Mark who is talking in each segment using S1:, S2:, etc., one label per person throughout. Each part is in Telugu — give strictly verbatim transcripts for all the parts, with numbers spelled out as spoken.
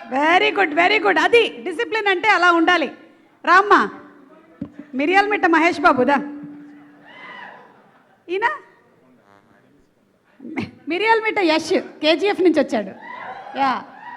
S1: Very good very good. అది డిసిప్లిన్ అంటే అలా ఉండాలి. రామ్మా, మిరియాల మిట్ట మహేష్ బాబుదా ఈయన? మిరియాల మిట్ట యష్ కేజీఎఫ్ నుంచి వచ్చాడు. యా,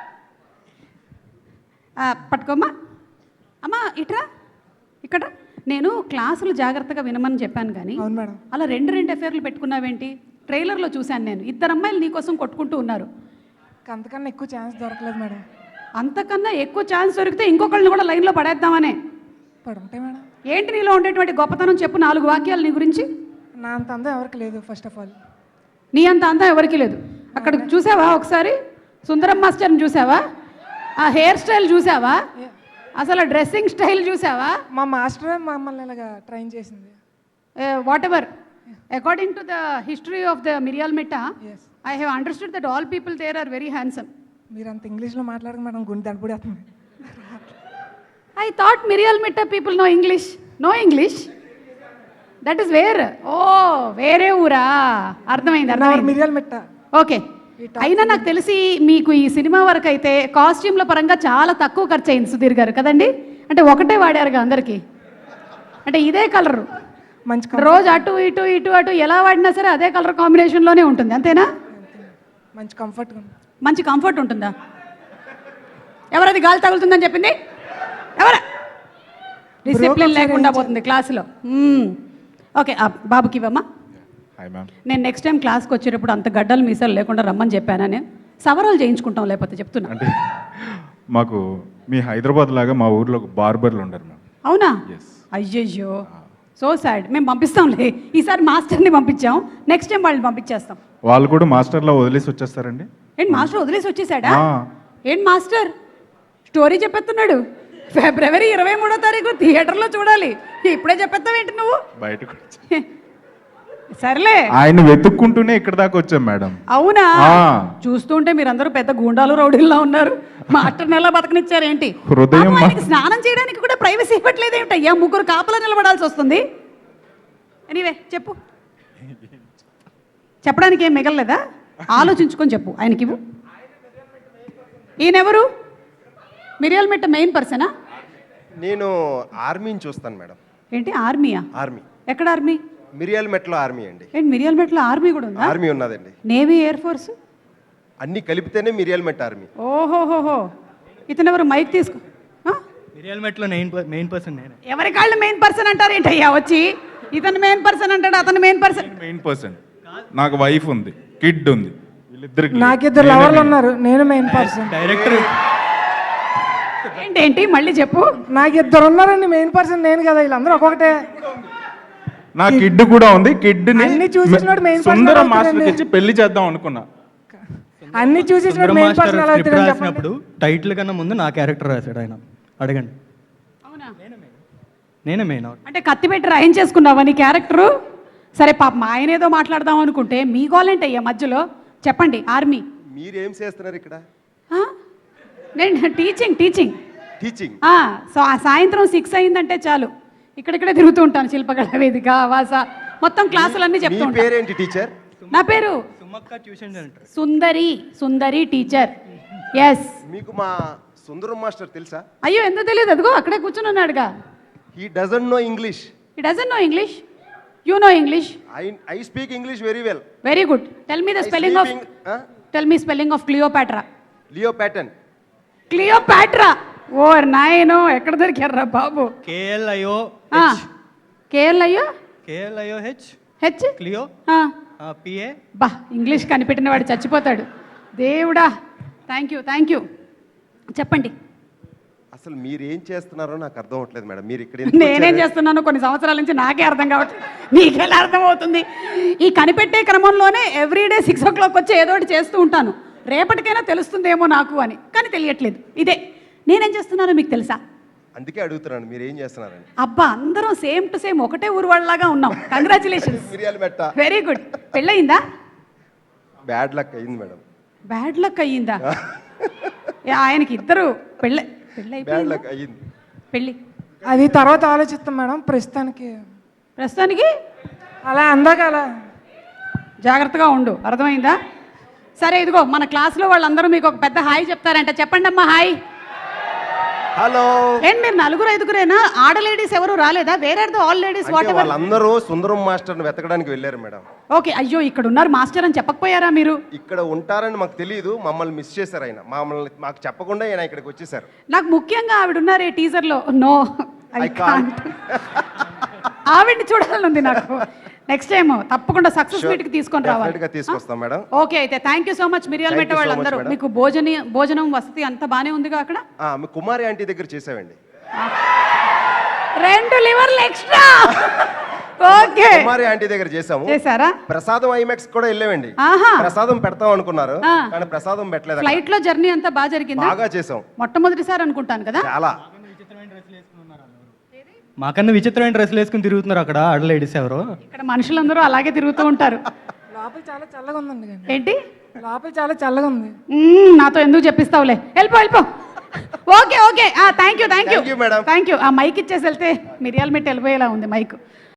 S1: పట్టుకోమ్మా. అమ్మా ఇట్రా, ఇక్కడ నేను క్లాసులు జాగ్రత్తగా వినమని చెప్పాను కానీ
S2: అవును మేడం.
S1: అలా రెండు రెండు ఎఫ్ఐఆర్లు పెట్టుకున్నావేంటి? ట్రైలర్లో చూశాను నేను, ఇద్దరు అమ్మాయిలు నీకోసం కొట్టుకుంటూ ఉన్నారు.
S2: అంతకన్నా ఎక్కువ ఛాన్స్ దొరకలేదు మేడం.
S1: అంతకన్నా ఎక్కువ ఛాన్స్ దొరికితే ఇంకొకళ్ళని కూడా లైన్లో పడేద్దామనే.
S2: పడుంటాయి మేడం.
S1: ఏంటి నీలో ఉండేటువంటి గొప్పతనం చెప్పు, నాలుగు వాక్యాలు నీ గురించి.
S2: నా అంత అందం ఎవరికి లేదు. ఫస్ట్ ఆఫ్ ఆల్
S1: నీ అంత అందం ఎవరికి లేదు. అక్కడ చూసావా ఒకసారి సుందరం మాస్టర్ని చూసావా? ఆ హెయిర్ స్టైల్ చూసావా? అసలు డ్రెస్సింగ్ స్టైల్ చూసావా?
S2: మా మాస్టరే మమ్మల్ని ఇలాగా ట్రైన్ చేసింది.
S1: Whatever according to the history of the Miriyala Mitta,
S2: yes,
S1: I have understood that all people there are very handsome.
S2: మీరు అంత ఇంగ్లీష్లో మాట్లాడక మేడం గుండె దడపడేస్తుంది.
S1: I thought Mirial Mitta people know English. No English? That is where? Oh, వేరే ఊరా? అర్థమైంది అర్థమైంది.
S2: మిరియాల మిట్ట.
S1: ఓకే, అయినా నాకు తెలిసి మీకు ఈ సినిమా వరకు అయితే కాస్ట్యూమ్ల పరంగా చాలా తక్కువ ఖర్చు అయింది సుధీర్ గారు కదండి? అంటే ఒకటే వాడారుగా అందరికీ, అంటే ఇదే కలరు
S2: మంచి
S1: రోజు అటు ఇటు ఇటు అటు ఎలా వాడినా సరే అదే కలర్ కాంబినేషన్లోనే ఉంటుంది, అంతేనా?
S2: మంచి కంఫర్ట్.
S1: మంచి కంఫర్ట్ ఉంటుందా? ఎవరది గాలి తగులుతుందని చెప్పింది? ఎవరా? డిసిప్లిన్ లేకుండా పోతుంది క్లాసులో. ఓకే, బాబుకి ఇవ్వమ్మా. నేను నెక్స్ట్ టైం క్లాస్కి వచ్చేటప్పుడు అంత గడ్డలు మీసాలు లేకుండా రమ్మని చెప్పాను. నేను సవరాలు చేయించుకుంటాం, లేకపోతే చెప్తున్నా.
S3: అంటే మాకు మీ హైదరాబాద్ లాగా మా ఊర్లో బార్బర్లు ఉండరు మ్యామ్.
S1: అవునా? అయ్యయ్యో, సో సాడ్. మేము పంపిస్తాంలే, ఈసారి మాస్టర్ని పంపించాం, నెక్స్ట్ టైం వాళ్ళని పంపించేస్తాం.
S3: వాళ్ళు కూడా మాస్టర్లో వదిలేసి వచ్చేస్తారండి.
S1: ఏంటి మాస్టర్ వదిలేసి వచ్చేసాడా? ఏంటి మాస్టర్ స్టోరీ చెప్పేస్తున్నాడు? ఫిబ్రవరి ఇరవై మూడో తారీఖు థియేటర్లో చూడాలి. ఇప్పుడే చెప్పేస్తావేంటి నువ్వు?
S3: బయటకు
S1: సర్లే,
S3: ఆయన వెతుక్కుంటూనే ఇక్కడ దాకా వచ్చాం మేడం.
S1: అవునా? చూస్తుంటే మీరందరూ పెద్ద గూండాలు రౌడీల్లో ఉన్నారు. మాస్టర్ ఎలా బతకనిచ్చారు ఏంటి?
S3: హృదయం
S1: స్నానం చేయడానికి కూడా ప్రైవసీ ఇవ్వట్లేదు ఏమిటి? అయ్యా, ముగ్గురు కాపలా నిలబడాల్సి వస్తుంది. ఎనీవే చెప్పు, చెప్పడానికి ఏం మిగలలేదా? ఆలోచించుకొని చెప్పు. ఆయనకి ఇవ్వు. ఈయనెవరు? మిరియాల మిట్ట మెయిన్ పర్సనా?
S4: నేను ఆర్మీని చూస్తాను మేడం.
S1: ఏంటి ఆర్మీయా?
S4: ఆర్మీ.
S1: ఎక్కడ ఆర్మీ?
S4: మిరియాల మెట్లో ఆర్మీ అండి.
S1: ఏంటి మిరియాల మెట్లో ఆర్మీ కూడా ఉందా?
S4: ఆర్మీ ఉన్నదండి.
S1: నేవీ, ఎయిర్ ఫోర్స్
S4: అన్ని కలిపితేనే మిరియాల మెట్ ఆర్మీ.
S1: ఓహోహోహో, ఇతను ఎవరు? మైక్ తీసుకో.
S5: మిరియాల మెట్లో మెయిన్ పర్సన్ నేనే.
S1: ఎవరి కాళ్ళు మెయిన్ పర్సన్ అంటారు ఏంటయ్యా? వచ్చి ఇతను మెయిన్ పర్సన్ అంటాడు, అతను మెయిన్ పర్సన్.
S3: Main person. నాకు వైఫ్ ఉంది, కిడ్ ఉంది, వీళ్ళిద్దరికి.
S2: నాకిద్దరు లవర్లు ఉన్నారు, నేను మెయిన్ పర్సన్.
S5: డైరెక్టర్
S1: ఏంటేంటి మళ్ళీ చెప్పు.
S2: నాకు ఇద్దరు ఉన్నారండి, మెయిన్ పర్సన్ నేను కదా. వీళ్ళందరూ ఒక్కొక్కటే.
S3: నా కిడ్ కూడా ఉంది. కిడ్
S2: అన్ని చూసేసినోడు మెయిన్ పర్సన్
S3: సుందరం మాస్టర్ ఇచ్చి పెళ్లి చేద్దాం అనుకున్నా.
S2: అన్ని చూసేసినోడు మెయిన్ పర్సన్ ఎలా అవుతాడని
S5: రాసినప్పుడు టైటిల్ కన్నా ముందు నా క్యారెక్టర్ రాశాడు ఆయన. అడగండి.
S1: అవునా?
S5: నేనే మెయిన్.
S1: అంటే కత్తి పెట్టి రాయించేసుకున్నావా నీ క్యారెక్టరు? సరే పాపం ఆయన ఏదో మాట్లాడదాం అనుకుంటే మీ గోలేంటి అయ్యా మధ్యలో? చెప్పండి. ఆర్మీ
S4: మీరేం చేస్తున్నారు ఇక్కడ?
S1: నేను టీచింగ్ టీచింగ్
S4: టీచింగ్.
S1: సో ఆ సాయంత్రం సిక్స్ అయిందంటే చాలు ఇక్కడిక్కడే తిరుగుతూ ఉంటాను. శిల్పకళ వేదిక, వాస, మొత్తం క్లాసులన్నీ చెప్తూ
S4: మీ
S1: ఉంటాను.
S4: పేరేంటి టీచర్?
S1: నా పేరు
S5: Sumakka tuition centre.
S1: Sundari. Sundari teacher. Yes.
S4: మీకు మా సుందరం మాస్టర్ తెలుసా?
S1: అయ్యో, ఎందుకు తెలియదు? అదిగో అక్కడే కూర్చుని ఉన్నాడుగా.
S4: He doesn't know English.
S1: He doesn't know English. You know English?
S4: I I speak English very well.
S1: Very good. Tell me the spelling of tell me spelling of Cleopatra.
S4: Leo pattern.
S1: Cleopatra. ఓ నాయనో, ఎక్కడ దొరికారా బాబు?
S5: K L I O
S1: K L I O
S5: K L I O H
S1: H
S5: Cleo P A.
S1: బా, ఇంగ్లీష్ కనిపెట్టిన వాడు చచ్చిపోతాడు. దేవుడా, థ్యాంక్ యూ థ్యాంక్ యూ. చెప్పండి.
S4: అసలు మీరు ఏం చేస్తున్నారో నాకు అర్థం అవ్వట్లేదు మేడం. మీరు ఇక్కడ
S1: నేనేం చేస్తున్నానో కొన్ని సంవత్సరాల నుంచి నాకే అర్థం కావట్లేదు. మీకెలా అర్థం అవుతుంది? ఈ కనిపెట్టే క్రమంలోనే ఎవ్రీడే సిక్స్ ఓ క్లాక్ వచ్చి ఏదో ఒకటి చేస్తూ ఉంటాను. రేపటికైనా తెలుస్తుందేమో నాకు అని, కానీ తెలియట్లేదు. ఇదే నేనేం చేస్తున్నానో మీకు తెలుసా?
S4: అందుకే అడుగుతున్నాను మీరు ఏం చేస్తున్నారని.
S1: అబ్బా, అందరం సేమ్ టు సేమ్ ఒకటే ఊరు వాళ్ళలాగా ఉన్నాం. Congratulations.
S4: Miriyala Metta.
S1: Very good. పెళ్ళయిందా?
S4: బ్యాడ్ లక్ అయింది మేడం.
S1: బ్యాడ్ లక్ అయ్యిందా? ఆయనకి ఇద్దరు పెళ్ళి పెళ్ళి
S4: బ్యాడ్ లక్ అయ్యింది.
S1: పెళ్ళి
S2: అది తర్వాత ఆలోచిస్తాం మేడం. ప్రస్తుతానికి
S1: ప్రస్తుతానికి
S2: అలా అందాక అలా
S1: జాగ్రత్తగా ఉండు, అర్థమైందా? సరే ఇదిగో మన క్లాస్లో వాళ్ళందరూ మీకు ఒక పెద్ద హాయ్ చెప్తారంట. చెప్పండి అమ్మా హాయ్.
S4: హలో.
S1: ఏంటి మీరు నలుగురు ఐదుగురేనా? ఆడ లేడీస్ ఎవరు రాలేదా? వేరే ఆల్ లేడీస్ వాట్ ఎవర్.
S4: వాళ్ళందరూ సుందరం మాస్టర్ని వెతకడానికి వెళ్ళారు మేడం.
S1: ఓకే, అయ్యో ఇక్కడ ఉన్నారు మాస్టర్ అని చెప్పకపోయారా మీరు?
S4: ఇక్కడ ఉంటారని మాకు తెలియదు, మమ్మల్ని మిస్ చేశారు ఆయన. మమ్మల్ని మాకు చెప్పకుండా ఆయన ఇక్కడికి వచ్చేసారు.
S1: నాకు ముఖ్యంగా ఆవిడ ఉన్నారే టీజర్లో. No I
S4: I can't.
S1: Can't. ఆవిడ్ని చూడాలని ఉంది నాకు. నెక్స్ట్ టైం తప్పకుండా సక్సెస్
S4: Sure.
S1: మీట్ కి తీసుకొని రావాలి.
S4: Definitely గా తీసుకొస్తాం మేడం.
S1: ఓకే అయితే thank you so much Miriyala
S4: Thank
S1: మెట్ట
S4: you so
S1: వాళ్ళందరూ.
S4: much, madam.
S1: మీకు భోజన భోజనం వసతి అంతా బానే ఉందిగా అక్కడ?
S4: ఆ, మీ కుమారి ఆంటీ దగ్గర చేసామండి.
S1: రెండు లివర్లు ఎక్స్ట్రా. ఓకే
S4: కుమారి ఆంటీ దగ్గర చేసాము.
S1: చేశారా?
S4: ప్రసాదం ఐమాక్స్ కూడా వెళ్ళామండి.
S1: ఆహా.
S4: ప్రసాదం పెడతాం అనుకున్నారు,
S1: ఆ.
S4: కానీ ప్రసాదం పెట్టలేదు అక్కడ.
S1: ఫ్లైట్ లో జర్నీ అంతా బాగా జరిగిందా?
S4: బాగా చేసాం.
S1: మొట్టమొదటిసారి అనుకుంటాను కదా.
S4: చాలా.
S5: మాకన్నా విచిత్రమైన డ్రెస్సులు వేసుకుని తిరుగుతున్నారు అక్కడ ఆడ లేడీస్ ఎవరు.
S1: ఇక్కడ మనుషులందరూ అలాగే తిరుగుతూ ఉంటారు.
S2: లోపల చాలా చల్లగా ఉందండి కానీ
S1: ఏంటి?
S2: లోపల చాలా చల్లగా ఉంది.
S1: మ్మ్, నాతో ఎందుకు చెప్పిస్తావులే, వెళ్ళిపో వెళ్ళిపో. Okay okay thank you thank you
S4: Thank you, madam.
S1: Thank you. ఆ మైక్ ఇచ్చేసి వెళ్తే మిరియాల మెట్టి వెళ్ళిపోయేలా ఉంది మైక్.